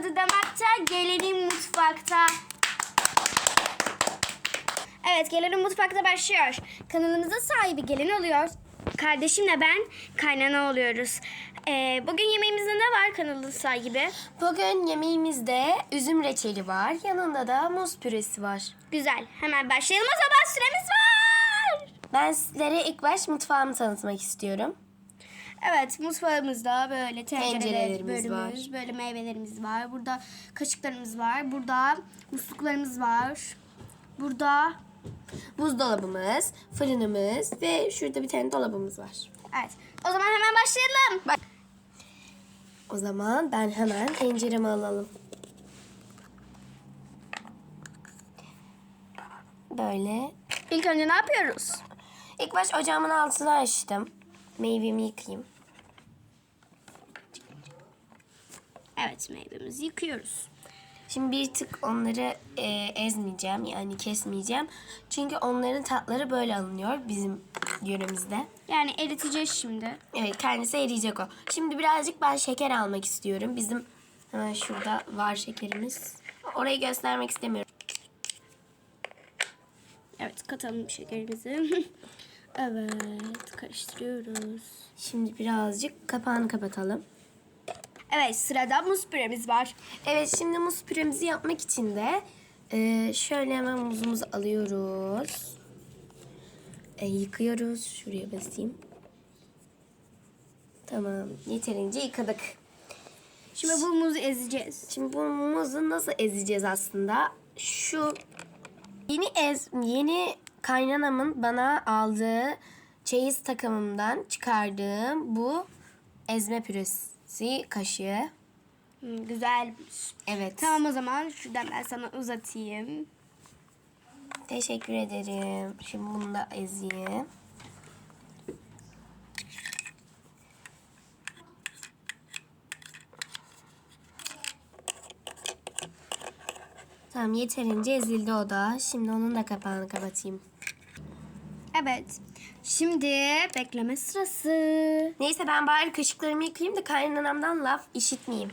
tadı damakta, gelelim mutfakta. Evet, gelelim mutfakta başlıyor. Kanalımızın sahibi gelin oluyor. Kardeşimle ben kaynana oluyoruz. Bugün yemeğimizde ne var kanalın sahibi? Bugün yemeğimizde üzüm reçeli var. Yanında da muz püresi var. Güzel. Hemen başlayalım o zaman, süremiz var. Ben sizlere ilk baş mutfağımı tanıtmak istiyorum. Evet, mutfağımızda böyle Tencerelerimiz bölümümüz, var. böyle meyvelerimiz var. Burada kaşıklarımız var. Burada musluklarımız var. Burada Buzdolabımız, fırınımız ve şurada bir tane dolabımız var. evet. O zaman hemen başlayalım. O zaman ben hemen tenceremi alalım. Böyle. İlk önce ne yapıyoruz? İlk baş ocağımın altını açtım. Meyvemi yıkayayım. Evet, meyvemizi yıkıyoruz. Şimdi bir tık onları ezmeyeceğim, yani kesmeyeceğim. Çünkü onların tatları böyle alınıyor bizim yöremizde. Yani eriteceğiz şimdi. Evet, kendisi eriyecek o. Şimdi birazcık ben şeker almak istiyorum. Bizim hemen şurada var şekerimiz. Orayı göstermek istemiyorum. Evet, katalım şekerimizi. Evet, karıştırıyoruz. Şimdi birazcık kapağını kapatalım. Evet, sırada muz püremiz var. Evet, şimdi muz püremizi yapmak için de şöyle hemen muzumuzu alıyoruz. Yıkıyoruz. Şuraya basayım. Tamam, yeterince yıkadık. Şimdi bu muzu ezeceğiz. Şimdi bu muzu nasıl ezeceğiz aslında? Şu yeni kaynanamın bana aldığı çeyiz takımımdan çıkardığım bu ezme püresi kaşığı. Güzelmiş. Evet. Tamam, o zaman şuradan ben sana uzatayım. Teşekkür ederim. Şimdi bunu da ezeyim. Tamam, yeterince ezildi o da. Şimdi onun da kapağını kapatayım. Evet. Şimdi bekleme sırası. Neyse, ben bari kaşıklarımı yıkayayım da kaynanamdan laf işitmeyeyim.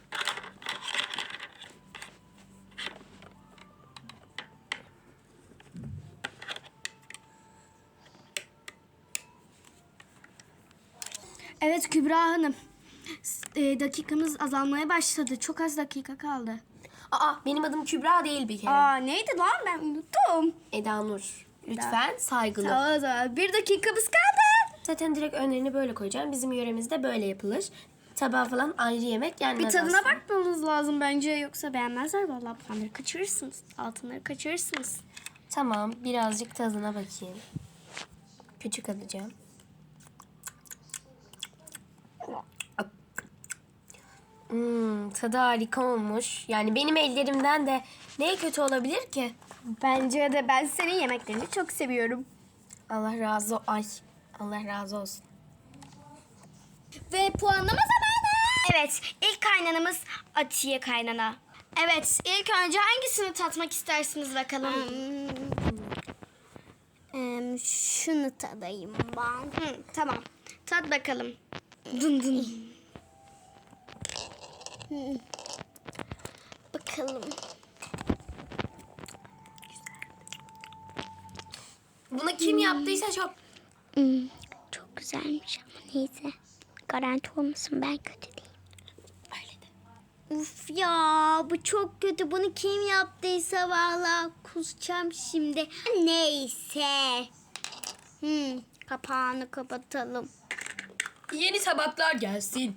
Evet Kübra Hanım. Dakikamız azalmaya başladı. Çok az dakika kaldı. Aa, benim adım Kübra değil bir kere. Aa, neydi lan, ben unuttum. Eda Nur. Lütfen saygılı. Tamam, o zaman bir dakikamız kaldı. Zaten direkt önlerini böyle koyacağım. Bizim yöremizde böyle yapılır. Tabağı falan ayrı yemek yenmez Bir tadına aslında. bakmanız lazım bence, yoksa beğenmezler vallahi, puanları kaçırırsınız. Altınları kaçırırsınız. Tamam, birazcık tadına bakayım. Küçük alacağım. Tadı harika olmuş. Yani benim ellerimden de ne kötü olabilir ki? Bence de, ben senin yemeklerini çok seviyorum. Allah razı olsun. Ve puanlama zamanı. Evet, ilk kaynanamız Atiye kaynana. Evet, ilk önce hangisini tatmak istersiniz bakalım? Şunu tadayım ben. Tamam, tat bakalım. Dın dın. Bakalım. Bunu kim yaptıysa çok... Çok güzelmiş ama neyse. Garanti olmasın, ben kötü değilim. Öyle de. Uf ya, bu çok kötü. Bunu kim yaptıysa vallahi kusacağım şimdi. Neyse. Kapağını kapatalım. Yeni tabaklar gelsin.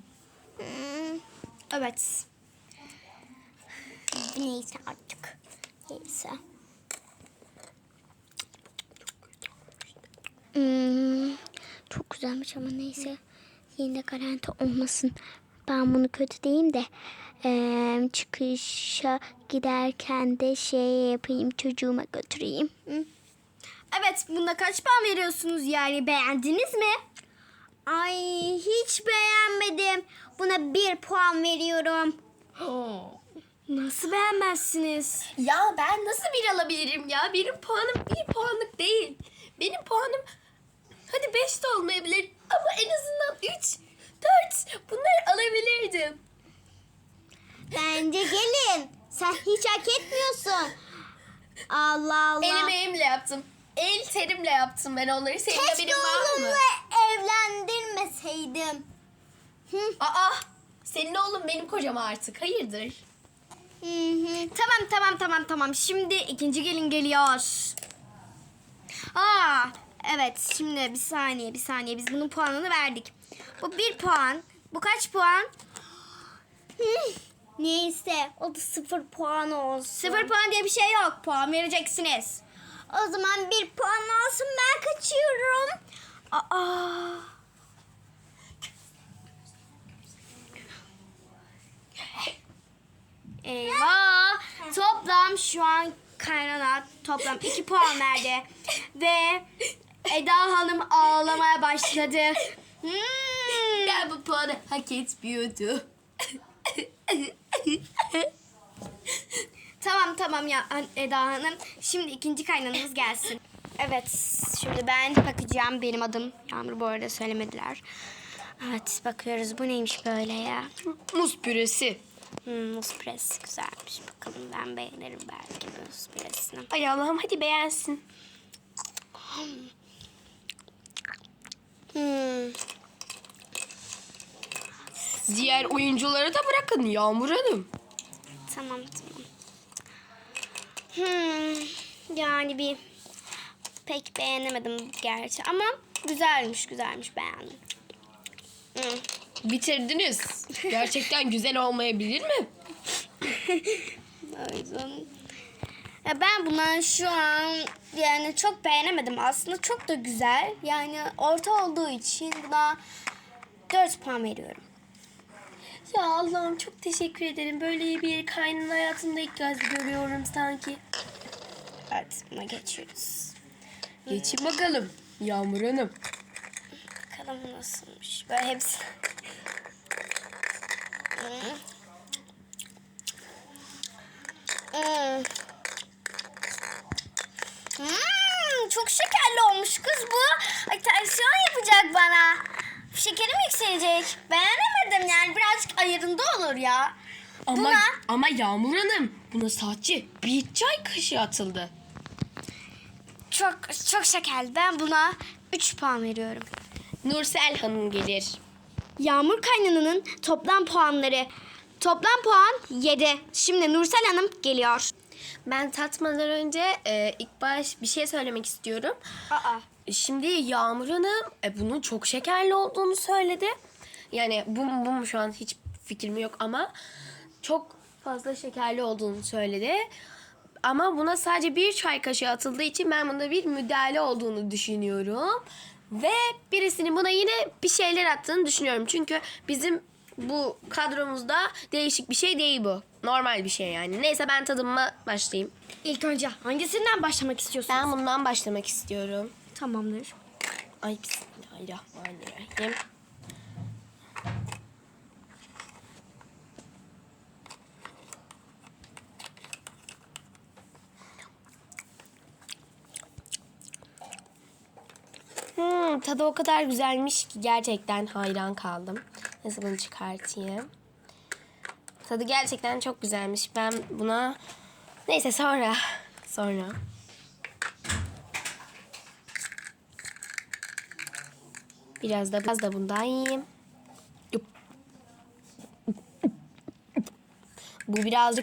Evet. Neyse artık. Neyse. Çok güzelmiş ama neyse. Yine de garanti olmasın. Ben bunu kötü diyeyim de çıkışa giderken de şey yapayım, çocuğuma götüreyim. Evet, bunda kaç puan veriyorsunuz yani, beğendiniz mi? Ay, hiç beğenmedim. Buna 1 puan veriyorum. Nasıl beğenmezsiniz? Ya ben nasıl bir alabilirim ya? Benim puanım 1 puanlık değil. Benim puanım hadi 5 de olmayabilir ama en azından 3, 4 bunları alabilirdim. Bence Allah Allah. Elimle yaptım. El terimle yaptım ben onları. Senin Keşke haberin var mı? oğlumla evlendirmeseydim. Aa, senin oğlum benim kocam artık. Hayırdır? Tamam. Şimdi ikinci gelin geliyor. Aa, evet. Şimdi bir saniye. Biz bunun puanını verdik. Bu 1 puan. Bu kaç puan? Neyse o da 0 puan olsun. 0 puan diye bir şey yok. Puan vereceksiniz. O zaman 1 puan olsun, ben kaçıyorum. Aa. Eyvah. Toplam şu an kaynana toplam 2 puan verdi. Ve Eda Hanım ağlamaya başladı. Ben bu puanı hak etmiyordum. Tamam ya Eda Hanım. Şimdi ikinci kaynanamız gelsin. Evet, şimdi ben bakacağım. Benim adım Yağmur, bu arada söylemediler. Evet, bakıyoruz. Bu neymiş böyle ya? Muz püresi. Muz püresi güzelmiş. Bakalım, ben beğenirim belki muz püresini. Ay Allah'ım, hadi beğensin. Diğer oyuncuları da bırakın Yağmur Hanım. Tamam. Yani bir pek beğenemedim gerçi ama güzelmiş beğendim. Bitirdiniz. Gerçekten güzel olmayabilir mi? O yüzden ya ben buna şu an yani çok beğenemedim. Aslında çok da güzel. Yani orta olduğu için buna 4 puan veriyorum. Ya Allah'ım, çok teşekkür ederim. Böyle bir kaynın hayatımda ilk kez görüyorum sanki. Evet, buna geçiyoruz. Geçin bakalım Yağmur Hanım. Bakalım nasılmış. Böyle hepsi. Çok şekerli olmuş kız bu. Ay, tansiyon yapacak bana. Şekerim yükselecek. Beğenemedim yani, birazcık ayarında olur ya. Ama Yağmur Hanım, buna sadece bir çay kaşığı atıldı. Çok şekerli. Ben buna 3 puan veriyorum. Nursel Hanım gelir. Yağmur kaynananın toplam puanları. Toplam puan 7. Şimdi Nursel Hanım geliyor. Ben tatmadan önce ilk baş bir şey söylemek istiyorum. Şimdi Yağmur Hanım bunun çok şekerli olduğunu söyledi. Yani bu mu şu an hiç fikrim yok ama çok fazla şekerli olduğunu söyledi. Ama buna sadece bir çay kaşığı atıldığı için ben bunda bir müdahale olduğunu düşünüyorum. Ve birisinin buna yine bir şeyler attığını düşünüyorum. Çünkü bizim bu kadromuzda değişik bir şey değil bu. Normal bir şey yani. Neyse, ben tadıma başlayayım. İlk önce hangisinden başlamak istiyorsun? Ben bundan başlamak istiyorum. Tamamdır. Ay, bismillahirrahmanirrahim. Tadı o kadar güzelmiş ki gerçekten hayran kaldım. Neyse, bunu çıkartayım. Tadı gerçekten çok güzelmiş. Ben buna... Neyse, sonra. Biraz da bundan yiyeyim. Bu birazcık